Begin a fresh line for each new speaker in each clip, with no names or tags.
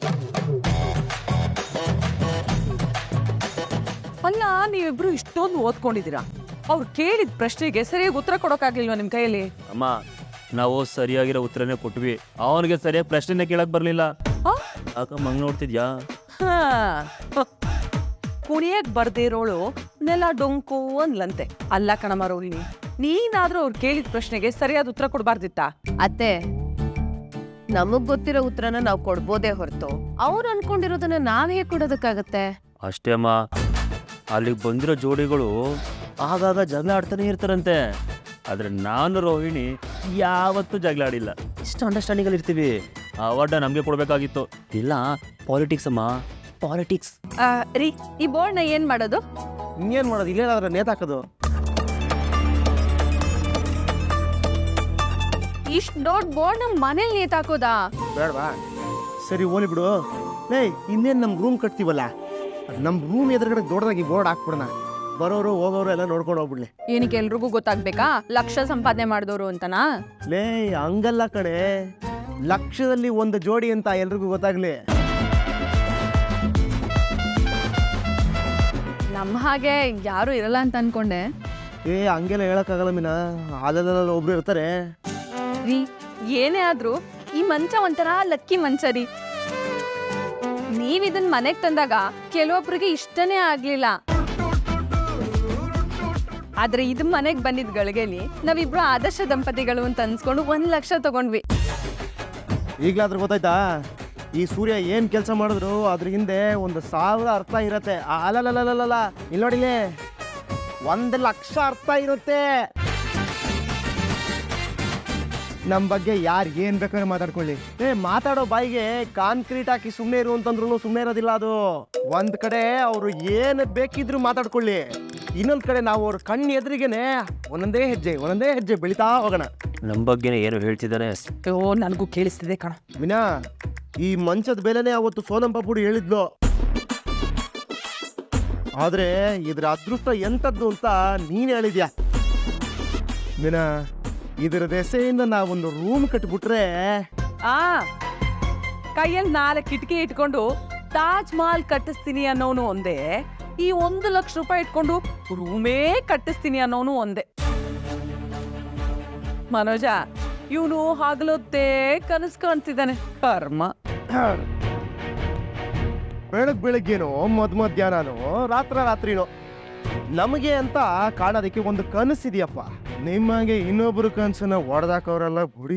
ಅಲ್ಲ, ನೀವಿಬ್ರು ಇಷ್ಟೊಂದು ಓದ್ಕೊಂಡಿದ್ದೀರಾ, ಅವ್ರು ಕೇಳಿದ ಪ್ರಶ್ನೆಗೆ ಸರಿಯಾಗಿ ಉತ್ತರ ಕೊಡೋಕ್ಕಾಗ್ಲಿಲ್ವಾ ನಿಮ್ ಕೈಯಲ್ಲಿ?
ಅಮ್ಮ, ನಾವು ಸರಿಯಾಗಿರೋ ಉತ್ತರನೇ ಕೊಟ್ವಿ, ಅವನಿಗೆ ಸರಿಯಾಗಿ ಪ್ರಶ್ನೆನೇ ಕೇಳಕ್ ಬರ್ಲಿಲ್ಲ. ಮಂಗ್ ನೋಡ್ತಿದ್ಯಾ?
ಕುಣಿಯಕ್ ಬರ್ದಿರೋಳು ನೆಲ ಡೊಂಕು ಅನ್ಲಂತೆ. ಅಲ್ಲ ಕಣಮ್ಮ ರೋಹಿಣಿ, ನೀನಾದ್ರೂ ಅವ್ರು ಕೇಳಿದ ಪ್ರಶ್ನೆಗೆ ಸರಿಯಾದ ಉತ್ತರ ಕೊಡ್ಬಾರ್ದಿತ್ತ?
ಅತ್ತೆ, ನಮಗ್ ಗೊತ್ತಿರೋ ಉತ್ತರನ ನಾವು ಕೊಡ್ಬೋದೇ ಹೊರತು ಅವ್ರು ಅನ್ಕೊಂಡಿರೋದನ್ನ ನಾವ್ ಹೇಗ್ ಕೊಡೋದಕ್ಕಾಗತ್ತೆ?
ಅಷ್ಟೇ ಅಮ್ಮ, ಅಲ್ಲಿಗೆ ಬಂದಿರೋ ಜೋಡಿಗಳು ಆಗಾಗ ಜಗಳ ಆಡ್ತಾನೆ ಇರ್ತಾರಂತೆ. ಆದ್ರೆ ನಾನು ರೋಹಿಣಿ ಯಾವತ್ತೂ ಜಗಳ ಆಡಿಲ್ಲ. ಇಷ್ಟು ಅಂಡರ್ಸ್ಟ್ಯಾಂಡಿಂಗ್ ಅಲ್ಲಿ ಇರ್ತೀವಿ. ಅವಾರ್ಡ ನಮ್ಗೆ ಕೊಡ್ಬೇಕಾಗಿತ್ತು. ಇಲ್ಲ ಪಾಲಿಟಿಕ್ಸ್ ಅಮ್ಮ, ಪಾಲಿಟಿಕ್ಸ್.
ರೀ, ಈ ಬೋರ್ಡ್ ನ ಏನ್ ಮಾಡೋದು?
ಇನ್ನೇನ್ ಮಾಡೋದು, ಇಲ್ಲೇನಾದ್ರೆ ನೇತಾಕೋದು.
ಇಷ್ಟ್ ದೊಡ್ಡ ಬೋರ್ಡ್ ನಮ್ ಮನೇಲಿ ನೇತಾಕೋದಾ?
ಬೇಡವಾ? ಸರಿ ಓಲಿ ಬಿಡು. ಇನ್ನೇನ್ ನಮ್ ರೂಮ್ ಕಟ್ತೀವಲ್ಲ, ನಮ್ ರೂಮ್ ಎದುರುಗಡೆ ದೊಡ್ಡದಾಗಿ ಬೋರ್ಡ್ ಹಾಕ್ಬಿಡೋಣ. ಬರೋರು ಹೋಗೋರು ಎಲ್ಲ ನೋಡ್ಕೊಂಡು ಹೋಗ್ಬಿಡ್ಲಿ.
ಏನಕ್ಕೆ ಎಲ್ರಿಗೂ ಗೊತ್ತಾಗ್ಬೇಕಾ ಲಕ್ಷ ಸಂಪಾದನೆ ಮಾಡಿದವರು ಅಂತನಾ?
ಹಂಗಲ್ಲ ಕಣೆ, ಲಕ್ಷದಲ್ಲಿ ಒಂದು ಜೋಡಿ ಅಂತ ಎಲ್ರಿಗೂ ಗೊತ್ತಾಗ್ಲಿ.
ನಮ್ಮ ಹಾಗೆ ಯಾರು ಇರಲ್ಲ ಅಂತ ಅನ್ಕೊಂಡೆ.
ಹಂಗೆಲ್ಲ ಹೇಳಕ್ಕಾಗಲ್ಲ ಮೀನಾ, ಅಲ್ಲೆಲ್ಲ ಒಬ್ರು ಇರ್ತಾರೆ.
ರೀ, ಏನೇ ಆದ್ರೂ ಈ ಮಂಚ ಒಂಥರ ಲಕ್ಕಿ ಮಂಚ ರೀ. ನೀವ್ ಇದನ್ ಮನೆಗ್ ತಂದಾಗ ಕೆಲವೊಬ್ರಿಗೆ ಇಷ್ಟನೇ ಆಗ್ಲಿಲ್ಲ, ಆದ್ರೆ ಇದು ಮನೆಗ್ ಬಂದಿದ್ ಗಳಿಗೆಲಿ ನಾವಿಬ್ರು ಆದರ್ಶ ದಂಪತಿಗಳು ಅಂತ ಅನ್ಸ್ಕೊಂಡು 1 ಲಕ್ಷ ತಗೊಂಡ್ವಿ.
ಈಗ್ಲಾದ್ರೂ ಗೊತ್ತಾಯ್ತಾ, ಈ ಸೂರ್ಯ ಏನ್ ಕೆಲಸ ಮಾಡಿದ್ರು ಅದ್ರ ಹಿಂದೆ 1,000 ಅರ್ಥ ಇರತ್ತೆ. ಅಲ್ಲಲ್ಲ, ಇಲ್ಲಿ ನೋಡಿಲಿ, 1 ಲಕ್ಷ ಅರ್ಥ ಇರುತ್ತೆ. ನಮ್ಮ ಬಗ್ಗೆ ಯಾರು ಏನ್ ಬೇಕಾದ್ರೆ ಮಾತಾಡ್ಕೊಳ್ಳಿ. ಮಾತಾಡೋ ಬಾಯಿಗೆ ಕಾನ್ಕ್ರೀಟ್ ಹಾಕಿ ಸುಮ್ಮನೆ ಇರು ಅಂತಂದ್ರು ಸುಮ್ಮನೆ ಇರೋದಿಲ್ಲ. ಅದು ಒಂದ್ ಕಡೆ ಅವರು ಏನ್ ಬೇಕಿದ್ರು ಮಾತಾಡ್ಕೊಳ್ಳಿ, ಇನ್ನೊಂದ್ ಕಡೆ ನಾವು ಅವ್ರ ಕಣ್ಣು ಎದುರಿಗೆನೆ ಒಂದೊಂದೇ ಹೆಜ್ಜೆ ಬೆಳಿತಾ ಹೋಗೋಣ.
ನಮ್ಮ ಬಗ್ಗೆನೇ ಏನು ಹೇಳ್ತಿದ್ದಾರೆ?
ನನಗೂ ಕೇಳಿಸ್ತಿದೆ ಕಣ.
ವಿನಾ, ಈ ಮಂಚದ ಬೆಲೆನೇ ಅವತ್ತು ಸೋನಂ ಪಾಪುಡಿ ಹೇಳಿದ್ಲು. ಆದ್ರೆ ಇದ್ರ ಅದೃಷ್ಟ ಎಂತದ್ದು ಅಂತ ನೀನ್ ಹೇಳಿದ್ಯಾ ವಿನಾ. ಇದರ ದೆಸೆಯಿಂದ ನಾವೊಂದು ರೂಮ್ ಕಟ್ಬಿಟ್ರೆ,
ಕೈಯಲ್ಲಿ 4 ಕಿಟಕಿ ಇಟ್ಕೊಂಡು ತಾಜ್ ಮಹಲ್ ಕಟ್ಟಿಸ್ತೀನಿ ಅನ್ನೋನು ಒಂದೇ, ಈ 1 ಲಕ್ಷ ರೂಪಾಯಿ ಇಟ್ಕೊಂಡು ರೂಮೇ ಕಟ್ಟಿಸ್ತೀನಿ ಅನ್ನೋನು ಒಂದೇ. ಮನೋಜ, ಇವನು ಹಗಲೊತ್ತೇ ಕನಸು ಕಾಣ್ತಿದ್ದಾನೆ. ಕರ್ಮ.
ಬೆಳಗ್ಗೇನೋ ಮಧ್ಯಾಹ್ನನೋ ರಾತ್ರಿನೋ ನಮಗೆ ಅಂತ ಕಾಣೋದಕ್ಕೆ ಒಂದು ಕನಸಿದೆಯಪ್ಪ. ನಿಮಗೆ ಇನ್ನೊಬ್ರು ಕನಸನ್ನ ಹೊಡೆದಾಕವ್ರಲ್ಲ ಬುಡಿ.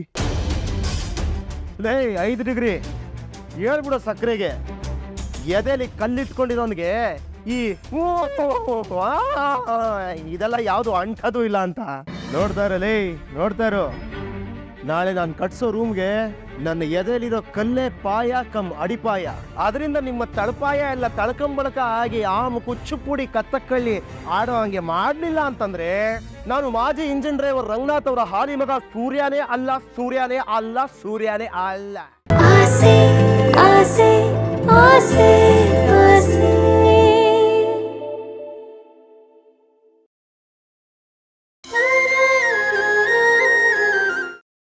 5 ಡಿಗ್ರಿ ಹೇಳ್ಬಿಡೋ ಸಕ್ಕರೆಗೆ ಎದೆಲಿ ಕಲ್ಲಿಟ್ಕೊಂಡಿರೋನ್ಗೆ ಈ ಇದೆಲ್ಲ ಯಾವುದು ಅಂಟದು ಇಲ್ಲ ಅಂತ ನೋಡ್ತಾ ಇರೋ. ನಾಳೆ ನಾನು ಕಟ್ಸೋ ರೂಮ್ಗೆ ನನ್ನ ಎದೆಲಿರೋ ಕಲ್ಲೇ ಪಾಯ ಕಮ್ ಅಡಿಪಾಯ. ಅದರಿಂದ ನಿಮ್ಮ ತಳಪಾಯ ಎಲ್ಲ ತಳ್ಕಂಬಳಕ ಆಗಿ ಕುಚ್ಚುಪುಡಿ ಕತ್ತಕ್ಕಳ್ಳಿ ಆಡೋ ಹಂಗೆ ಮಾಡ್ಲಿಲ್ಲ ಅಂತಂದ್ರೆ ನಾನು ಮಾಜಿ ಇಂಜಿನ್ ಡ್ರೈವರ್ ರಂಗನಾಥ್ ಅವರ ಹಾಲಿ ಮಗ ಸೂರ್ಯನೇ ಅಲ್ಲ.
ಆಸೆ ಆಸೆ ಆಸೆ